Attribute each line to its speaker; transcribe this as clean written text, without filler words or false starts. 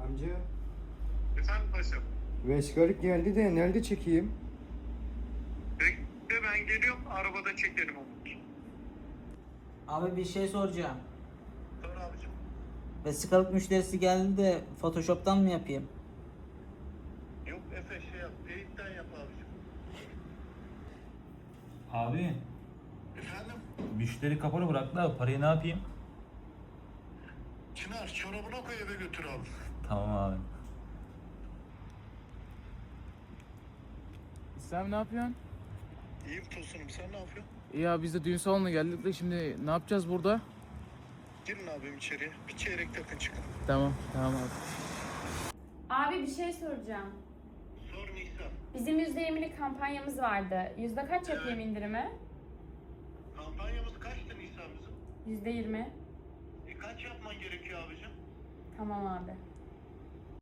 Speaker 1: Amca,
Speaker 2: Efendim paşam.
Speaker 1: Vesikalık geldi de nerede çekeyim?
Speaker 2: Bekle ben geliyorum. Arabada çekelim onu.
Speaker 3: Abi bir şey soracağım.
Speaker 2: Sor abicim.
Speaker 3: Vesikalık müşterisi geldi de Photoshop'tan mı yapayım?
Speaker 2: Yok Efe şey yap. Paint'ten yap abicim.
Speaker 4: Abi
Speaker 2: Efendim?
Speaker 4: müşteri kapalı bıraktı da parayı ne yapayım?
Speaker 2: Çınar çorabına koy eve götür abi.
Speaker 4: Tamam abi.
Speaker 5: Sen ne yapıyorsun?
Speaker 2: İyiyim Tosun'um sen ne yapıyorsun?
Speaker 5: İyi abi biz de düğün salonuna geldik de şimdi ne yapacağız burada?
Speaker 2: Girin abim içeriye. Bir çeyrek takın çıkın.
Speaker 5: Tamam abi.
Speaker 6: Abi bir şey soracağım.
Speaker 2: Sor Nisan.
Speaker 6: Bizim %20'lik kampanyamız vardı. Yüzde kaç yapayım indirimi?
Speaker 2: Kampanyamız kaçtı Nisan bizim?
Speaker 6: %20.
Speaker 2: Kaç yapman gerekiyor abicim?
Speaker 6: Tamam abi.